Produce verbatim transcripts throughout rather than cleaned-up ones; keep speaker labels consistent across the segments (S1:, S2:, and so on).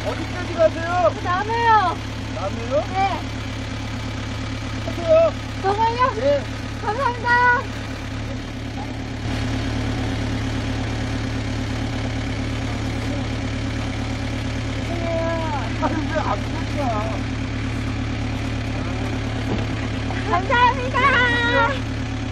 S1: 어디까지 가세요?
S2: 남해요.
S1: 남해요?
S2: 네.
S1: 가세요.
S2: 정말요?
S1: 예.
S2: 감사합니다.
S1: 아니 왜안 가?
S2: 감사합니다.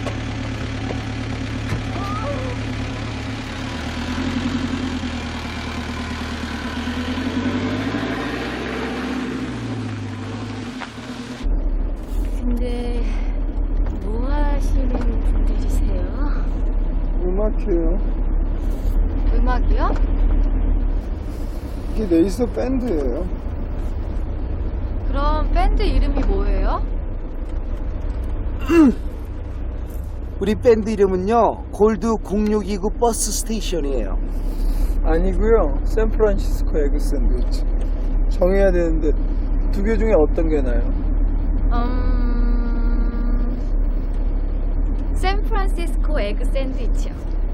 S2: 근데 뭐 하시는 분들이세요?
S1: 음악해요.
S2: 음악이요?
S1: 이게 레이서 밴드예요.
S2: 그럼 밴드 이름이 뭐예요?
S3: 우리 밴드 이름은요 골드 공육이구 버스 스테이션이에요.
S1: 아니고요. 샌프란시스코 에그 샌드위치. 정해야 되는데 두 개 중에 어떤 게 나요?
S2: 음... 샌프란시스코 에그 샌드위치요.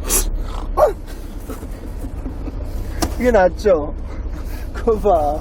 S1: 그게 낫죠? 그거 봐.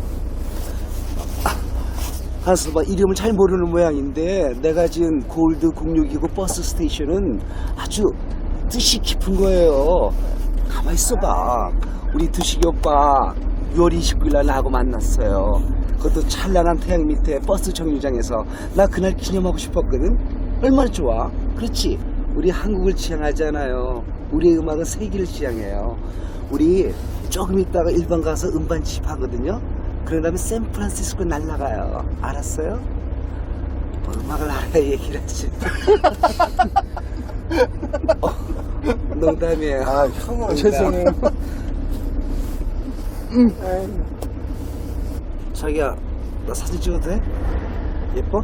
S3: 한스바 이름을 잘 모르는 모양인데 내가 지은 골드 공육이구 버스 스테이션은 아주 뜻이 깊은 거예요. 가만히 있어봐. 우리 두식이 오빠 유월 이십구일 날 나하고 만났어요. 그것도 찬란한 태양 밑에 버스 정류장에서. 나 그날 기념하고 싶었거든. 얼마나 좋아. 그렇지. 우리 한국을 지향하잖아요. 우리의 음악은 세계를 지향해요. 우리 조금 있다가 일본 가서 음반 집하거든요. 그런 다음에 샌프란시스코 날라가요. 알았어요? 뭐 음악을 알아야 얘기를 하지. 어, 농담이에요.
S1: 아, 형은 죄송해요. 음.
S3: 자기야, 나 사진 찍어도 돼? 예뻐?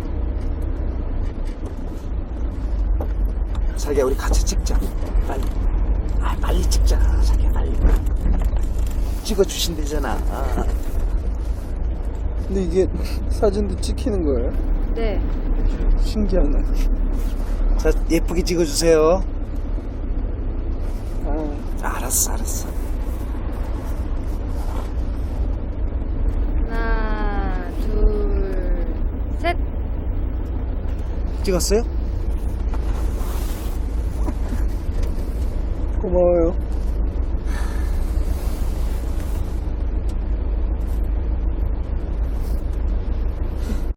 S3: 자기야, 우리 같이 찍자. 빨리. 아, 빨리 찍자. 자기야, 빨리. 찍어주신대잖아. 아.
S1: 근데 이게 사진도 찍히는 거예요?
S2: 네.
S1: 신기하네.
S3: 자, 예쁘게 찍어주세요.
S1: 아,
S3: 알았어, 알았어.
S2: 하나, 둘, 셋.
S3: 찍었어요?
S1: 고마워요.